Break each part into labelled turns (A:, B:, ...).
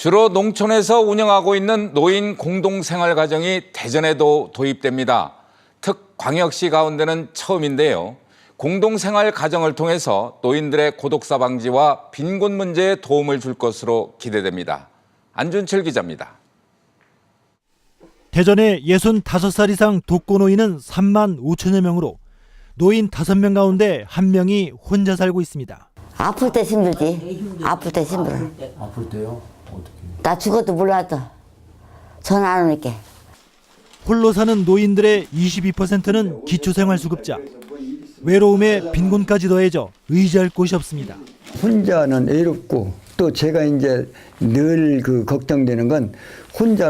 A: 주로 농촌에서 운영하고 있는 노인 공동생활가정이 대전에도 도입됩니다. 특광역시 가운데는 처음인데요. 공동생활가정을 통해서 노인들의 고독사 방지와 빈곤 문제에 도움을 줄 것으로 기대됩니다. 안준철 기자입니다.
B: 대전의 65살 이상 독거노인은 3만 5천여 명으로 노인 5명 가운데 1명이 혼자 살고 있습니다.
C: 아플 때 힘들지. 아플 때 힘들어.
D: 아플 때요? 어떻게?
C: 나 죽어도 몰라도 전화 안 오니까.
B: 홀로 사는 노인들의 22%는 기초생활수급자. 외로움에 빈곤까지 더해져 의지할 곳이 없습니다.
E: 혼자는 외롭고 또 제가 이제 늘 걱정되는 건 혼자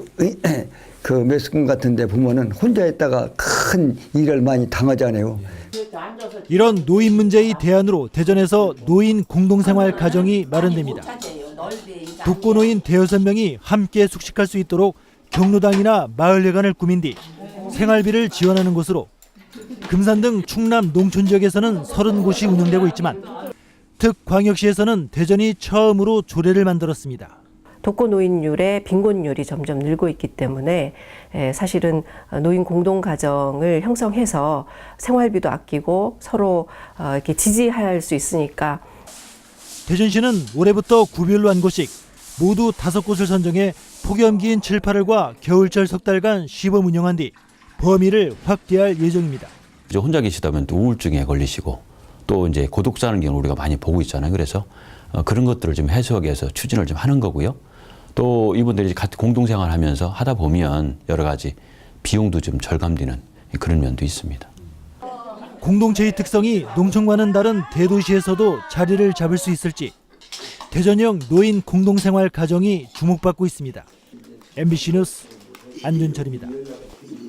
E: 매스컴 같은 데 보면은 혼자 있다가 큰 일을 많이 당하잖아요.
B: 이런 노인 문제의 대안으로 대전에서 노인 공동생활 가정이 마련됩니다. 독거노인 5명이 함께 숙식할 수 있도록 경로당이나 마을회관을 꾸민 뒤 생활비를 지원하는 곳으로 금산 등 충남 농촌 지역에서는 30곳이 운영되고 있지만 특광역시에서는 대전이 처음으로 조례를 만들었습니다.
F: 독거노인율의 빈곤율이 점점 늘고 있기 때문에 사실은 노인 공동가정을 형성해서 생활비도 아끼고 서로 이렇게 지지할 수 있으니까.
B: 대전시는 올해부터 구별로 한 곳씩 모두 5곳을 선정해 폭염기인 7, 8월과 겨울철 석 달간 시범 운영한 뒤 범위를 확대할 예정입니다.
G: 혼자 계시다 보면 또 우울증에 걸리시고 또 이제 고독사하는 경우 우리가 많이 보고 있잖아요. 그래서 그런 것들을 좀 해소하기 위해서 추진을 좀 하는 거고요. 또 이분들이 같이 공동생활하면서 하다 보면 여러 가지 비용도 좀 절감되는 그런 면도 있습니다.
B: 공동체의 특성이 농촌과는 다른 대도시에서도 자리를 잡을 수 있을지 대전형 노인 공동생활 가정이 주목받고 있습니다. MBC 뉴스 안준철입니다.